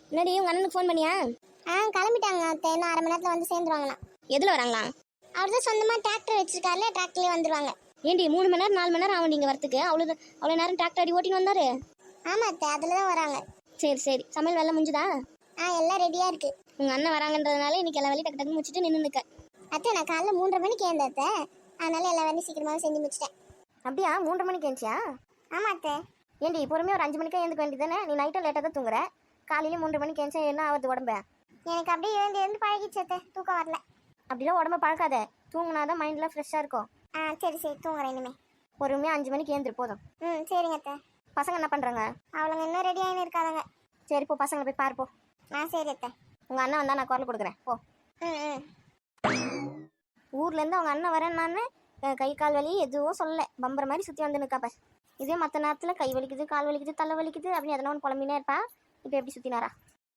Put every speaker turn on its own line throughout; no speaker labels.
என்னடி உங்க அண்ணனுக்கு ஃபோன் பண்ணியா?
கிளம்பிட்டாங்க அத்தை. இன்னும் அரை மணி நேரத்துல வந்து சேர்ந்துருவாங்கண்ணா.
எதுல வராங்களா?
அவர் தான் சொந்தமா டிராக்டர் வச்சிருக்காருல, டிராக்டர்லயே வந்துருவாங்க.
ஏண்டி 3 மணி நேரம் 4 மணி நேரம் ஆகும் நீங்க வரத்துக்கு? அவ்வளோ நேரம் டிராக்டர் அடி ஓட்டின்னு வந்தாரு?
ஆமா அத்தை, அதுல தான் வராங்க.
சரி சரி, சமையல் வேலை முடிஞ்சுதா?
எல்லாம் ரெடியா இருக்கு.
உங்க அண்ணன் வராங்கன்றதுனால இன்னைக்கு எல்லா வேலையும் டக்கு டக்கு முடிச்சுட்டு நின்று நிற்க.
அத்தை நான் காலைல 3:30 மணிக்கு ஏந்தேன் அத்தை. அதனால எல்லா வேலையும் சீக்கிரமாவே செஞ்சு முடிச்சிட்டேன்.
அப்படியா? 3:30 மணிக்கு ஏஞ்சியா?
ஆமா அத்தை.
ஏண்டி பொறுமையாக ஒரு 5 மணிக்கே எழுந்துக்க வேண்டியதானே? நீ நைட்டும் லேட்டாக தான் தூங்குற. காலையில 3:30 மணிக்கு ஏஞ்சா என்ன ஆகுது உடம்பு?
எனக்கு அப்படியே எழுந்து பழகிச்சு அத்தை, தூக்கம் வரல.
அப்படிலாம் உடம்ப பழக்காத. தூங்குனாதான் மைண்ட்லாம் ஃப்ரெஷ்ஷாக இருக்கும்.
சரி சரி, தூங்குறேன் இனிமே.
பொறுமையாக 5 மணிக்கு ஏந்திரு போதும்.
சரிங்க அத்தை.
பசங்க என்ன பண்ணுறாங்க?
அவளுங்க இன்னும் ரெடி ஆகின்னு இருக்காங்க.
சரி போ, பசங்களை போய் பார்ப்போ.
சரி அத்தை.
உங்கள் அண்ணன் வந்தால் நான் குரல் கொடுக்குறேன் போ. ஊர்லேருந்து அவங்க அண்ணன் வரேன். நான் கை கால் வலி எதுவும் சொல்லலை, பம்பர மாதிரி சுற்றி வந்து நிற்காப்ப. இதே மற்ற நேரத்தில் கை வலிக்குது, கால் வலிக்குது, தலை வலிக்குது அப்படின்னு எதனா ஒன்று புலம்பினே இருப்பா. இப்போ எப்படி சுற்றினாரா?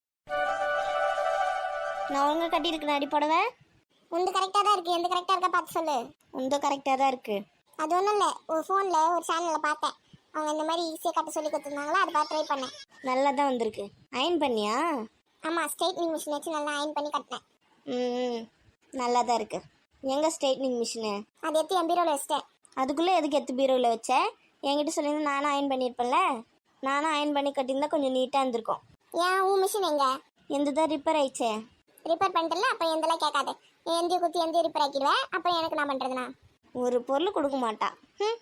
நான் ஒழுங்காக கட்டியிருக்கேன் அடி புடவை.
உந்து கரெக்டாக தான் இருக்கு. எந்த கரெக்டாக இருக்கா பார்த்து சொல்லு.
உந்தோ கரெக்டாக தான் இருக்குது.
அது ஒன்றும் இல்லை, ஒரு ஃபோனில் ஒரு சேனலில் பார்த்தேன். அவங்க இந்த மாதிரி ஈஸியாக கட்ட சொல்லி கொடுத்துருந்தாங்களா, அதை பார்த்து ட்ரை பண்ணேன்.
நல்லா தான் வந்திருக்கு. அயன் பண்ணியா?
ஆமாம், ஸ்ட்ரைட்னிங் மிஷின் வச்சு நல்லா அயன் பண்ணி கட்டினேன்.
நல்லா தான் இருக்குது. எங்கே ஸ்ட்ரைட்னிங் மிஷினு?
அது எடுத்து என் பீரோவில் வச்சிட்டேன்.
அதுக்குள்ளே எதுக்கு எடுத்து பீரோவில் வச்ச? என்கிட்ட சொல்லியிருந்தா நானும் அயன் பண்ணியிருப்பேன்ல. நானும் அயன் பண்ணி கட்டியிருந்தா கொஞ்சம் நீட்டாக இருந்திருக்கும்.
ஏன் உன் மிஷின் எங்கே?
எந்த தான் ரிப்பேர் ஆயிடுச்சே.
ரிப்பேர் பண்ணிட்டல, அப்போ எந்தெல்லாம் கேட்காது. எந்தையும் குத்தி எந்தையும் ரிப்பேர் ஆக்கிடுவேன். அப்புறம் எனக்கு நான் பண்ணுறதுனா?
ஒரு பொருள் கொடுக்க மாட்டா.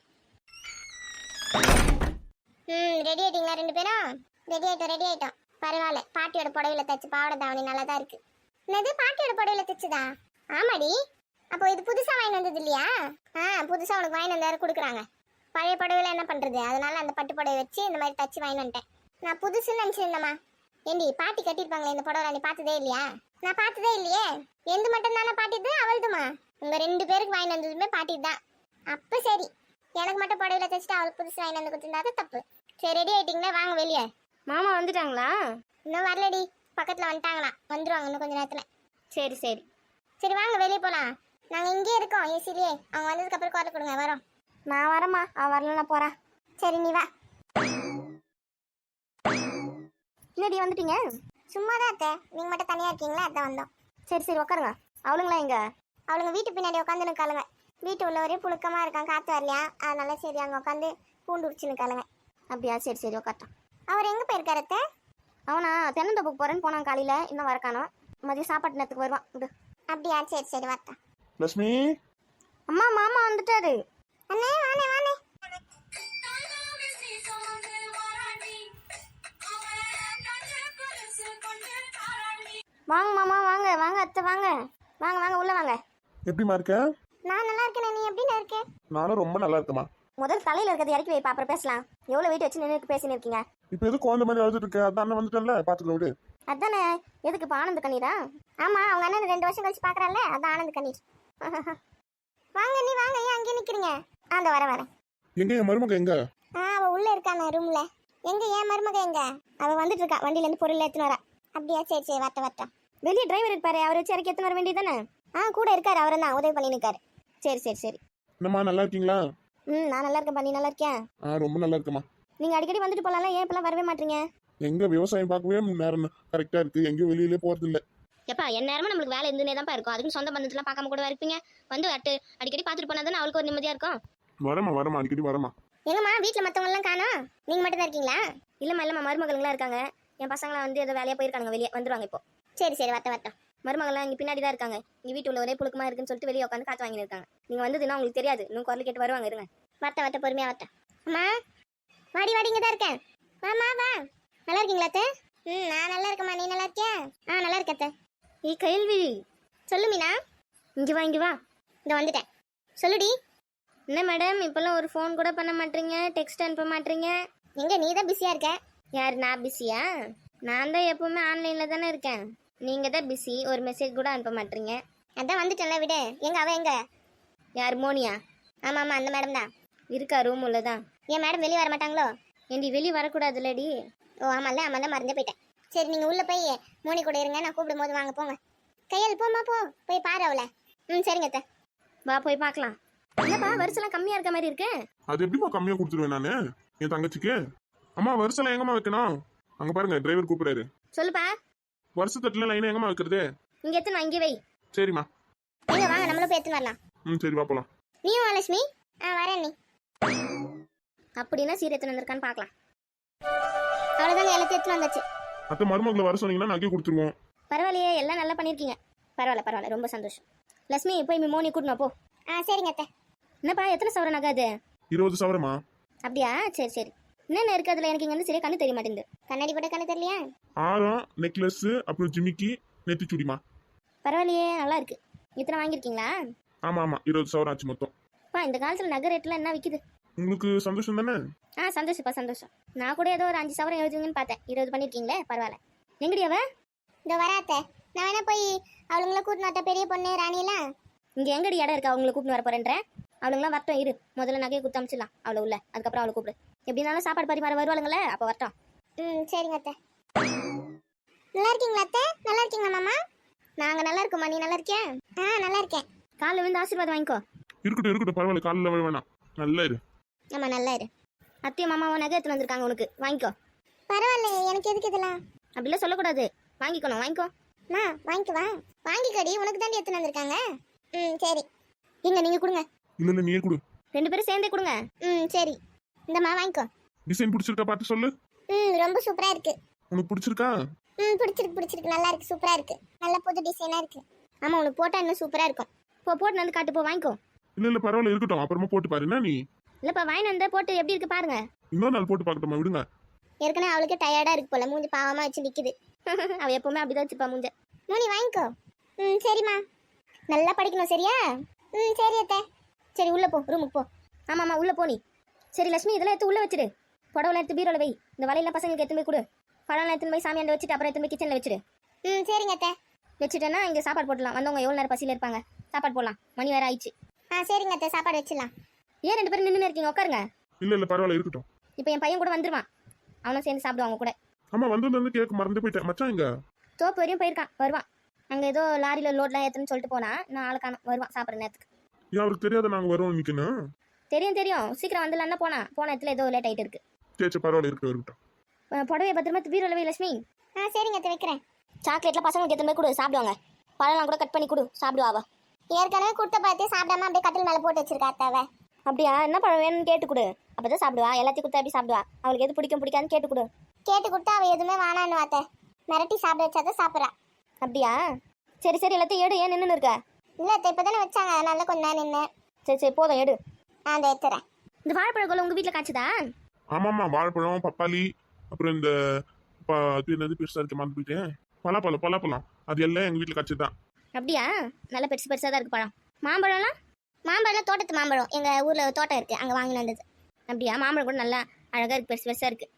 ரெடி ஆயிட்டீங்களா ரெண்டு பேரும்? ரெடி ஆயிட்டோம். பரவாயில்ல, பாட்டியோட புடவையில தைச்சு பாவாடை தாவணி நல்லா தான் இருக்கு. என்னது, பாட்டியோட புடவையில தைச்சுதா? ஆமாடி. அப்போ இது புதுசா வாங்கி வந்தது இல்லையா? புதுசா உனக்கு வாங்கி வந்தாரு கொடுக்குறாங்க. பழைய புடவையில என்ன பண்றது, அதனால அந்த பட்டு புடவை வச்சு இந்த மாதிரி தச்சு வாங்கி வந்துட்டேன். நான் புதுசுன்னு நினைச்சிருந்தேம்மா. ஏண்டி பாட்டி கட்டிருப்பாங்களே இந்த புடவை, நீ பார்த்ததே இல்லையா? நான் பார்த்ததே இல்லையே. எந்த மட்டும் தானே பாட்டிது, அவள்துமா? உங்க 2 பேருக்கு வாங்கி வந்ததுமே பாட்டி தான். அப்ப சரி, எனக்கு மட்டும் புடவையில தைச்சிட்டு அவளுக்கு புதுசு வாங்கி வந்து கொடுத்துருந்தா தப்பு. சரி, ரெடி ஆயிட்டீங்களா? வாங்க வெளியே.
மாமா வந்துட்டாங்களா?
இன்னும் வரலடி, பக்கத்துல வந்துட்டாங்களா. வந்துருவாங்க இன்னும் கொஞ்ச நேரத்துல.
சரி சரி
சரி, வாங்க வெளியே போலாம். நாங்க இங்கே இருக்கோம் ஏசிலேயே. அவங்க வந்ததுக்கு அப்புறம் குரல் கொடுங்க. வரோம்.
நான் வரேம்மா. வரல, நான் போறேன்.
சரி, நீ வா.
என்னடி வந்துட்டீங்க?
சும்மா தான் அத்தை, நீங்க மட்டும் தனியா இருக்கீங்களா, அதான் வந்தோம்.
சரி சரி, உட்காருங்க. அவளுங்களா எங்க?
அவளுங்க வீட்டு பின்னாடி உட்காந்து நிற்காளுங்க. வீட்டு உள்ள ஒரே புழுக்கமா இருக்கான், காத்து வரலையா, அதனால சரி அங்க உட்காந்து பூண்டு உரிச்சு நிற்காளுங்க.
அப்படியா? சரி சரி, உட்காட்டோம்.
அவர் எங்க போயிருக்காரு அத்தை?
அவனா தென்னந்தோப்புக்கு போறேன்னு போனான் காலையில. இன்னும் வரக்கானோ. மதியம் சாப்பாட்டு நேரத்துக்கு வருவான். இது
அப்படியா? சரி சரி, வரட்டா.
லட்சுமி,
அம்மா, மாமா வந்துட்டாரு.
அண்ணே, வானே வானே.
வாங்க மாமா, வாங்க வாங்க அத்தை, வாங்க வாங்க வாங்க, உள்ள வாங்க.
எப்படிமா இருக்க?
நான் நல்லா இருக்கேன். நீ எப்படி இருக்க?
நானும் ரொம்ப நல்லா இருக்கேமா.
முதல் தலையில இருக்கிறது இறக்கி வைப்பா, அப்புறம் பேசலாம். எவ்வளவு வெயிட் வச்சு நின்று பேசின்னு இருக்கீங்க?
இப்போ எது குழந்தை மாதிரி அழுதுட்டு இருக்க? அதான் அண்ணன் வந்துட்டேன்ல, பாத்துக்கலாம் விடு.
அதானே. எதுக்கு இப்போ ஆனந்த கண்ணீரா?
ஆமா, அவங்க அண்ணன் 2 வருஷம் கழிச்சு பாக்குறான்ல, அதான் ஆனந்த கண்ணீர். வாங்க நீ வாங்க, ஏன் அங்கேயே நிக்கிறீங்க? அந்த வரேன்.
எங்க என் மருமக எங்க?
அவ உள்ள இருக்கான ரூம்ல. எங்க ஏன் மருமக எங்க?
அவ வந்துட்டு இருக்கா, வண்டியில இருந்து பொருள் எடுத்துன்னு வரா.
அப்படியா? சரி சரி, வரட்ட.
வெளியே டிரைவர் இருப்பாரு, அவரை வச்சு இறக்கி எடுத்துன்னு வர வேண்டியதானே?
கூட இருக்காரு, அவரை தான் உதவி பண்ணி நிற்காரு.
சரி சரி சரி.
என்னம்மா, நல்லா இருக்கீங்களா?
நான் நல்லா இருக்கேன். நீ நல்லா இருக்கியா?
ரொம்ப நல்லா இருக்கேம்மா.
நீங்க அடிக்கடி வந்துட்டு போலாம்ல, ஏன் இப்பெல்லாம் வரவே மாட்டீங்க?
எங்க விவசாயம் பார்க்கவே நேரம் கரெக்டா இருக்கு, எங்கேயும் வெளியிலே போறது இல்ல.
எப்பா, என் நேரமும் நம்மளுக்கு வேலை இருந்துனே தான் இருக்கும். அதுக்கு சொந்த பந்தத்தெல்லாம் பார்க்காம கூட இருப்பீங்க. வந்து அடிக்கடி பார்த்துட்டு போனா தானே அவளுக்கு ஒரு நிம்மதியா இருக்கும்.
வரமா அடிக்கடி வரமா.
எங்கம்மா வீட்டுல மத்தவங்க எல்லாம் காணோம், நீங்க மட்டும் தான் இருக்கீங்களா?
இல்லம்மா, மருமகள்லாம் இருக்காங்க. என் பசங்களாம் வந்து ஏதோ வேலையா போயிருக்காங்க, வெளியே வந்துருவாங்க இப்போ.
சரி சரி, வரட்ட.
மருமகள்லாம் இங்கே பின்னாடி தான் இருக்காங்க. இங்கே வீட்டு உள்ள ஒரே புழுக்கமா இருக்குன்னு சொல்லிட்டு வெளியே உட்காந்து காத்து வாங்கி இருக்காங்க. நீங்க வந்ததுன்னா உங்களுக்கு தெரியாது. இன்னும் குரல் கேட்டு வருவாங்க. இருங்க.
வரட்ட, பொறுமையா வரட்ட. அம்மா, வாடி இங்க தான் இருக்கேன். வாமா வா. நல்லா இருக்கீங்களா அத்தை? நான் நல்லா இருக்கேம்மா, நீ நல்லா இருக்கியா? நல்லா இருக்க அத்தை.
கேள்வி
சொல்லு மீனா.
இங்க வா.
இந்த வந்துட்டேன், சொல்லுடி.
என்ன மேடம், இப்பெல்லாம் ஒரு ஃபோன் கூட பண்ண மாட்டீங்க, டெக்ஸ்ட் அனுப்ப மாட்டீங்க?
எங்க நீ தான் பிஸியா இருக்க.
யார், நான் பிஸியா? நான் தான் எப்பவுமே ஆன்லைன்ல தானே இருக்கேன். நீங்க தான் பிஸி, ஒரு மெசேஜ் கூட அனுப்ப மாட்டீங்க.
அதான் வந்துட்டேன்ல, விடு. எங்க அவ எங்க?
யார், மோனியா?
ஆமா அந்த மேடம் தான்
இருக்கா, ரூம் உள்ளதான்.
ஏன் மேடம் வெளியே வர மாட்டாங்களோ?
ஏண்டி வெளியே வரக்கூடாதுல்லடி?
ஆமாம் தான் மறந்தே போயிட்டேன். சரி, நீங்க உள்ள போய் மோனி கூட இருங்க, நான் கூப்பிடும் போது வாங்க போங்க. கையால் போமா, போய் பாரு அவளை. சரிங்க அத்தை.
வா போய் பார்க்கலாம். என்னப்பா, வருஷம்லாம் கம்மியா இருக்க மாதிரி இருக்கு.
அது எப்படிமா கம்மியா கொடுத்துருவேன் நானு என் தங்கச்சிக்கு? அம்மா, வருஷம் எங்கம்மா வைக்கணும்? அங்க பாருங்க, டிரைவர் கூப்பிடுறாரு.
சொல்லுப்பா.
வருஷத்தட்டுல லைனா எங்கம்மா வைக்கிறது?
இங்கே எத்தனை இங்கே வை.
சரிம்மா.
நீங்க வாங்க நம்மளும் போய் எடுத்துன்னு வரலாம்.
சரி வா போலாம்.
நீயும் வா லட்சுமி. வரேன் நீ.
அப்படின்னா சீர் எத்தனை வந்திருக்கான்னு பார்க்கலாம்.
அவ்வளோதாங்க எல்லாத்தையும் எடுத்துன்னு வந்தாச்சு.
அத்தை மருமகளை வர சொன்னீங்கன்னா நகை கொடுத்துருவோம்.
பரவாயில்லையே, எல்லாம் நல்லா பண்ணியிருக்கீங்க. பரவாயில்ல, ரொம்ப சந்தோஷம். லட்சுமி போய் மோனி கூட்டணும் போ.
சரிங்க அத்தை.
என்னப்பா எத்தனை சவர நகை அது?
20 சவரமா?
அப்படியா, சரி. என்னென்ன இருக்கு அதுல? எனக்கு இங்க வந்து சரியா கண்ணு தெரிய மாட்டேங்குது.
கண்ணாடி போட்ட கண்ணு தெரியலையா?
ஆரம், நெக்லஸ், அப்புறம் ஜிமிக்கி, நெத்திச்சுடிமா.
பரவாயில்லையே, நல்லா இருக்கு. இத்தனை வாங்கியிருக்கீங்களா?
ஆமா 20 சவரம் ஆச்சு மொத்தம்.
இந்த காலத்துல நகை ரேட்லாம் என்ன விக்குது?
உங்களுக்கு சந்தோஷம் தானே?
சந்தோஷம். நான் கூட ஏதோ ஒரு 5 சவரம் எழுதுங்கன்னு பார்த்தேன். 20 பண்ணிருக்கீங்களே, பரவாயில்ல. எங்கடி அவ?
இந்த வராத்த நான் வேணா போய் அவளுங்கள கூட்டின்னு வரட்ட, பெரிய பொண்ணு ராணியெல்லாம்.
இங்க எங்கடி இடம் இருக்கா அவங்களை கூப்பிட்டு வர போறேன்ற? அவளுங்களாம் வரட்டும், இரு. முதல்ல நகையை கொடுத்து அமிச்சிடலாம் அவளை உள்ள. அதுக்கப்புறம் அவளை கூப்பிடு. எப்படினாலும் சாப்பாடு பரிமாற வருவாளுங்களே, அப்போ வரட்டும்.
சரிங்க அத்தை. நல்லா இருக்கீங்களா அத்தை? நல்லா இருக்கீங்களா மாமா?
நாங்க நல்லா இருக்கோம்மா, நீ நல்லா இருக்கியா?
நல்லா இருக்கேன்.
காலைல விழுந்து ஆசீர்வாதம் வாங்கிக்கோ.
இருக்கட்டும் பரவாயில்ல, காலைல வேணாம். நல்லா இரு.
ஆமா நல்லா இரு. அத்தையும் மாமாவும் நகை எடுத்துன்னு வந்திருக்காங்க உனக்கு, வாங்கிக்கோ.
பரவாயில்ல, எனக்கு எதுக்கு இதெல்லாம்?
அப்படிலாம் சொல்லக்கூடாது, வாங்கிக்கணும். வாங்கிக்கோ.
வாங்கிக்குவா. வாங்கிக்கடி, உனக்கு தாண்டி எடுத்துன்னு வந்திருக்காங்க. சரி.
எங்க நீங்க கொடுங்க.
இல்ல நீயே கொடு.
2 பேரும் சேர்ந்தே கொடுங்க.
சரி. இந்தம்மா வாங்கிக்கோ.
டிசைன் பிடிச்சிருக்கா பார்த்து சொல்லு.
ரொம்ப சூப்பரா இருக்கு.
உனக்கு பிடிச்சிருக்கா?
பிடிச்சிருக்கு. நல்லா இருக்கு, சூப்பரா இருக்கு. நல்ல புது டிசைனா இருக்கு.
ஆமா, உனக்கு போட்டா இன்னும் சூப்பரா இருக்கும். போட்டு வந்து காட்டு, வாங்கிக்கோ.
இல்ல பரவாயில்ல, இருக்கட்டும். அப்புறமா போட்டு பாரு. என்ன நீ?
இல்லப்பா, வாங்கி வந்தா போட்டு எப்படி இருக்கு பாருங்க.
இன்னொரு நாள் போட்டு பார்க்கட்டுமா? விடுங்க.
ஏற்கனவே அவளுக்கு டயர்டா இருக்கு போல, மூஞ்சி பாவமா வச்சு நிக்குது.
அவ எப்பவுமே அப்படிதான் வச்சுப்பா மூஞ்ச.
மூணி வாங்கிக்கோ. சரிம்மா. நல்லா படிக்கணும், சரியா? சரி அத்தை.
சரி உள்ள போ, ரூமுக்கு போ. ஆமாம்மா உள்ள போ நீ. சரி லட்சுமி, இதெல்லாம் எடுத்து உள்ள வச்சிரு. புடவை எடுத்து பீரோல வை. இந்த வலையெல்லாம் பசங்களுக்கு எடுத்து போய் கொடு. பழம் எடுத்து போய் சாமியாண்ட வச்சுட்டு அப்புறம் எடுத்து போய் கிச்சன்ல வச்சிரு.
சரிங்க அத்தை.
வச்சுட்டேன்னா இங்க சாப்பாடு போடலாம். வந்தவங்க எவ்வளவு நேரம் பசியில இருப்பாங்க. சாப்பாடு போடலாம், மணி வேற ஆயிடுச்சு.
சரிங்க அத்தை, சாப்பாடு வச்சிடலாம்.
ஏன் 2 பேரும் நின்று இருக்கீங்க? உட்காருங்க.
இல்ல பரவாயில்ல, இருக்கட்டும்.
இப்போ என் பையன் கூட வந்துருவான். அவனும் சேர்ந்து சாப்பிடுவாங்க கூட.
ஆமா, வந்து கேட்க மறந்து போயிட்டேன். மச்சான் எங்க?
தோப்பு வரையும் போயிருக்கான், வருவான். அங்க ஏதோ லாரியில லோட்லாம் ஏத்துன்னு சொல்லிட்டு போனா, நான் ஆளுக்கான வருவான் சாப்பிட்ற நேரத்துக்கு.
ஏன் அவருக்கு தெரியாத நாங்க வரோம் நிக்கணும்?
தெரியும், சீக்கிரம் வந்துடலாம். போன இடத்துல ஏதோ லேட் ஆயிட்டு இருக்கு.
சரி பரவாயில்ல, இருக்கட்டும்.
புடவைய பத்திரமா பீரோல வை லட்சுமி.
சரிங்க அத்தை, வைக்கிறேன்.
சாக்லேட்ல பசங்களுக்கு எடுத்து போய் கொடு, சாப்பிடுவாங்க. பழம்லாம் கூட கட் பண்ணி கொடு, சாப்பிடுவா.
ஏற்கனவே கொடுத்த பழத்தையும் சாப்பிடாம அப்படியே கட்டில் மேல போட்டு வச்சிருக்கா அத்தாவை.
அப்படியா? என்ன பழம் வேணும்னு கேட்டு கொடு, அப்பதான் சாப்பிடுவா. எல்லாத்தையும் கொடுத்தா எப்படி சாப்பிடுவா? அவளுக்கு எது பிடிக்காதுன்னு கேட்டு கொடு.
கேட்டு கொடுத்தா அவ எதுவுமே வேணான்னு வாத்த, மிரட்டி சாப்பிட வச்சாதான் சாப்பிட்றா.
அப்படியா? சரி எல்லாத்தையும் எடு. ஏன் நின்று இருக்க?
இல்ல அத்தை, இப்பதானே வச்சாங்க, அதனால கொஞ்ச நேரம் நின்னேன்.
சரி போதும், எடு.
அந்த எடுத்துறேன்.
இந்த வாழைப்பழம் உங்க வீட்டுல காய்ச்சதா?
ஆமாம்மா, வாழைப்பழம், பப்பாளி, அப்புறம் இந்த என்னது பெருசா இருக்கு மறந்து போயிட்டேன். பலாப்பழம் அது எல்லாம் எங்க வீட்டுல காய்ச்சதுதான்.
அப்படியா? நல்ல பெருசா தான் இருக்கு பழம். மாம்பழம்லாம்
தோட்டத்து மாம்பழம் எங்க ஊர்ல தோட்டம் இருக்கு, அங்க வாங்கிட்டு வந்தது.
அப்படியா? மாம்பழம் கூட நல்லா அழகா இருக்கு, பெருசா இருக்கு.